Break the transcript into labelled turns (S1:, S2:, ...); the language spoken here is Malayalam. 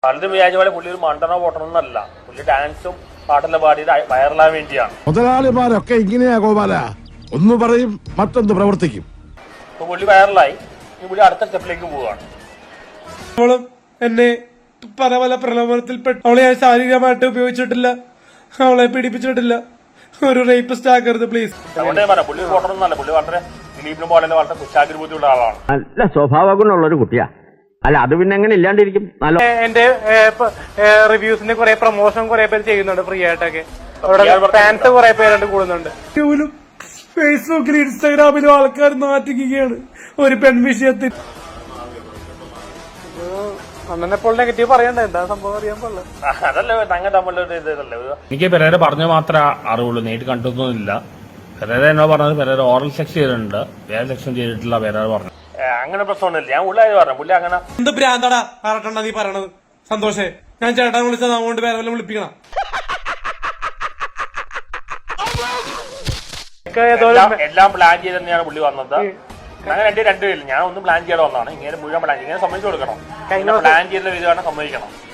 S1: പലരും വിചാരിച്ച പോലെ പുള്ളി ഒരു മണ്ടനോ പൊട്ടണമെന്നല്ല. പുള്ളി ഡാൻസും പാട്ടെല്ലാം പാടിയത് വൈറലാൻ വേണ്ടിയാണ്.
S2: മുതലാളിമാരൊക്കെ ഇങ്ങനെയാ ഗോപാല, ഒന്ന് പറയും മറ്റൊന്ന് പ്രവർത്തിക്കും.
S1: ഇപ്പൊ പുള്ളി വൈറലായി, പുള്ളി അടുത്ത സ്റ്റെപ്പിലേക്ക് പോവുകയാണ്.
S3: അവളും എന്നെ പല പല പ്രലോഭനത്തിൽപ്പെട്ടു. അവളെ ഞാൻ ശാരീരികമായിട്ട് ഉപയോഗിച്ചിട്ടില്ല, അവളെ പീഡിപ്പിച്ചിട്ടില്ല. ഒരു റേപ്പിസ്റ്റ് ആക്കരുത് പ്ലീസ്.
S1: അതുകൊണ്ട് ഞാൻ പറയാം, പുള്ളി പൊട്ടണമെന്നല്ല. പുള്ളി വളരെ ദിലീപിനെ പോലെ വളരെ കുശാഗ്രബുദ്ധിയുള്ള ആളാണ്.
S4: നല്ല സ്വഭാവ ഗുണമുള്ള ഒരു കുട്ടിയാ. അല്ല അത് പിന്നെ എങ്ങനെ ഇല്ലാണ്ടിരിക്കും? നല്ല
S3: എന്റെ റിവ്യൂസിന്റെ കുറെ പ്രൊമോഷൻ കുറെ പേര് ചെയ്യുന്നുണ്ട് ഫ്രീ ആയിട്ടൊക്കെ. ഫാൻസ് കുറെ പേരുണ്ട് കൂടുന്നുണ്ട്. ഫേസ്ബുക്കിലും ഇൻസ്റ്റാഗ്രാമിലും ആൾക്കാർ നാറ്റിക്കുകയാണ് ഒരു പെൺവിഷയത്തിൽ. അന്നെപ്പോൾ നെഗറ്റീവ് പറയണ്ട, എന്താ സംഭവം അറിയാൻ പാടില്ല.
S1: അതല്ലേ തങ്ങ തമ്മിലൊരു ഇതല്ലേ.
S5: എനിക്ക് പെരേര പറഞ്ഞു മാത്രമേ അറിവുള്ളൂ, നേരിട്ട് കണ്ടൊന്നുമില്ല. പെരേര എന്നോ പറഞ്ഞത് പെരേര ഓറൽ സെക്സ് ചെയ്തിട്ടുണ്ട്, വേറെ സെക്ഷൻ ചെയ്തിട്ടില്ല പെരേര പറഞ്ഞു.
S1: അങ്ങനെ പ്രശ്നമൊന്നുമില്ല. ഞാൻ പുള്ളിയായി പറഞ്ഞു, പുള്ളി അങ്ങനെ
S3: എന്ത് ഭ്രാന്താടാ പറഞ്ഞ നീ പറയണത്? സന്തോഷേ, ഞാൻ ചേട്ടാൻ വിളിച്ചത് അതുകൊണ്ട് വേറെ വല്ലതും വിളിപ്പിക്കണം.
S1: എല്ലാം പ്ലാൻ ചെയ്ത് തന്നെയാണ് പുള്ളി വന്നത്. അങ്ങനെ എന്റെ രണ്ടുപേരില്ല, ഞാൻ ഒന്നും പ്ലാൻ ചെയ്യാതെ വന്നതാണ്. ഇങ്ങനെ മുഴുവൻ പ്ലാൻ ഇങ്ങനെ സമ്മതിച്ചു കൊടുക്കണം. പ്ലാൻ ചെയ്ത വിധമാണ് സമ്മതിക്കണം.